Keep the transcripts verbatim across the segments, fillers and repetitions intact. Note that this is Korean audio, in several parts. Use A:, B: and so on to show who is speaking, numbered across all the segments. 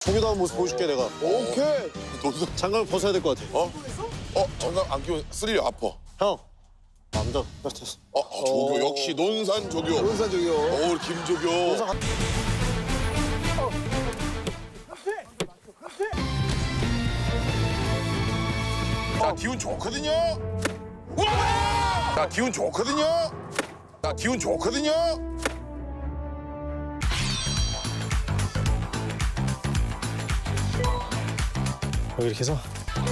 A: 저기도 한번 모습 보여줄게 내가.
B: 오케이.
A: 너도 장갑을 벗어야 될 것 같아.
B: 어? 어? 장갑 안 끼면 스릴이 아파.
A: 형. 남자. 됐어.
B: 어, 어 조교 역시 논산 조교.
C: 논산 조교.
B: 어 김조교. 자 기운 좋거든요. 와! 자 기운 좋거든요. 자 기운 좋거든요.
A: 여기 이렇게 해서.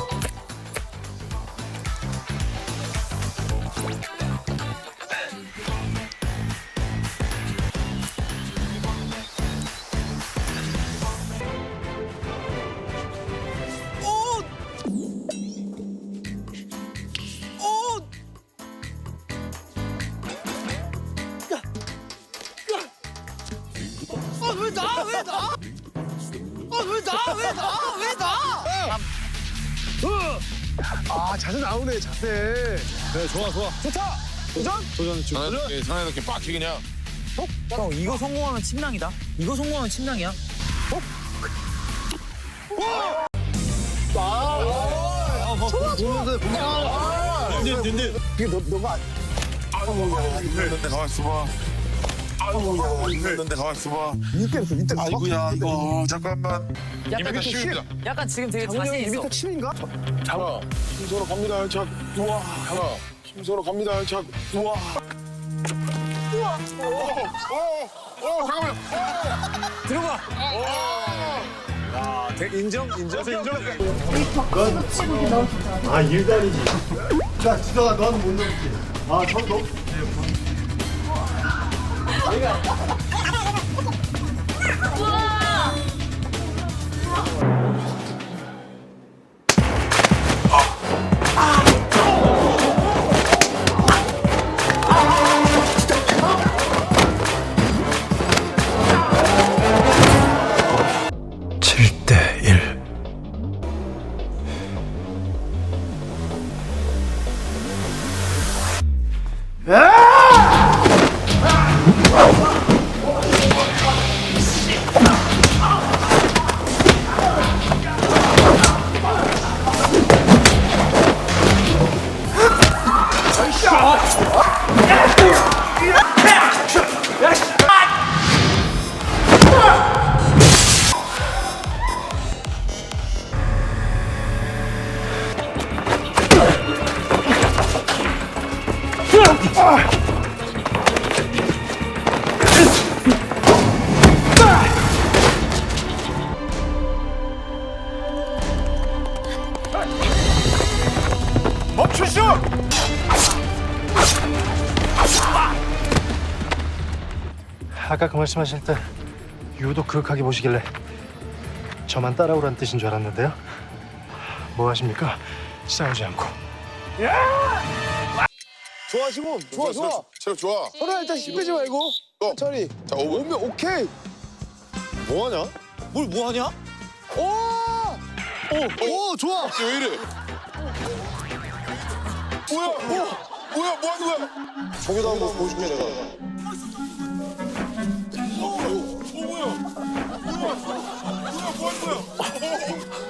D: 왜 나? 왜 나? 아, 왜 나? 왜 나? 왜 나?
C: 아 자세 나오네 자세.
A: 그래 좋아 좋아.
C: 좋다. 도전.
A: 도전 지금.
B: 사나이답게 사나이답게 빡 그냥.
D: 형 이거 성공하면 침낭이다. 이거 성공하면 침낭이야.
C: 이게 너 너가
B: 있는데 가만 있어봐. 아이고 있는데 가만 있어봐.
C: 밑에 있어 밑에.
B: 아이고야 이거 잠깐만.
D: 약간
B: 이미터
D: 좀-
B: 쉬웁니다.
D: 약간 지금 되게
C: 장훈이
D: 자신
C: 형이
D: 있어.
C: 밑에 침인가?
B: 하나.
C: 힘서로 갑니다. 자 우와.
B: 하나.
C: 힘서로 갑니다. 자 우와.
B: 어 잠깐만.
D: 들어가.
A: 인정 인정 인정.
E: 아 일도 아니지. 자 지성아 너는 못 넘지. 아 처음 넘.
A: 칠 대 일.
B: 멈추시오.
E: 아까 그 말씀하실 때 유독 그윽하게 보시길래 저만 따라오란 뜻인 줄 알았는데요. 뭐 하십니까? 싸우지 않고.
C: 좋아 지금. 좋아 좋아.
B: 체력 좋아.
C: 서로 일단 힘 빼지 말고.
B: 또.
C: 천천히.
B: 자 오 분.
C: 오면 오케이.
A: 뭐하냐? 뭘 뭐하냐?
C: 오.
A: 오 좋아.
B: 왜 이래? 뭐야? 뭐? 뭐야? 뭐 하는 거야?
A: 저기도 한번 모습 보여줄게 내가.
B: 어 뭐야? 뭐야? 뭐야? 뭐야? 뭐 하는 거야?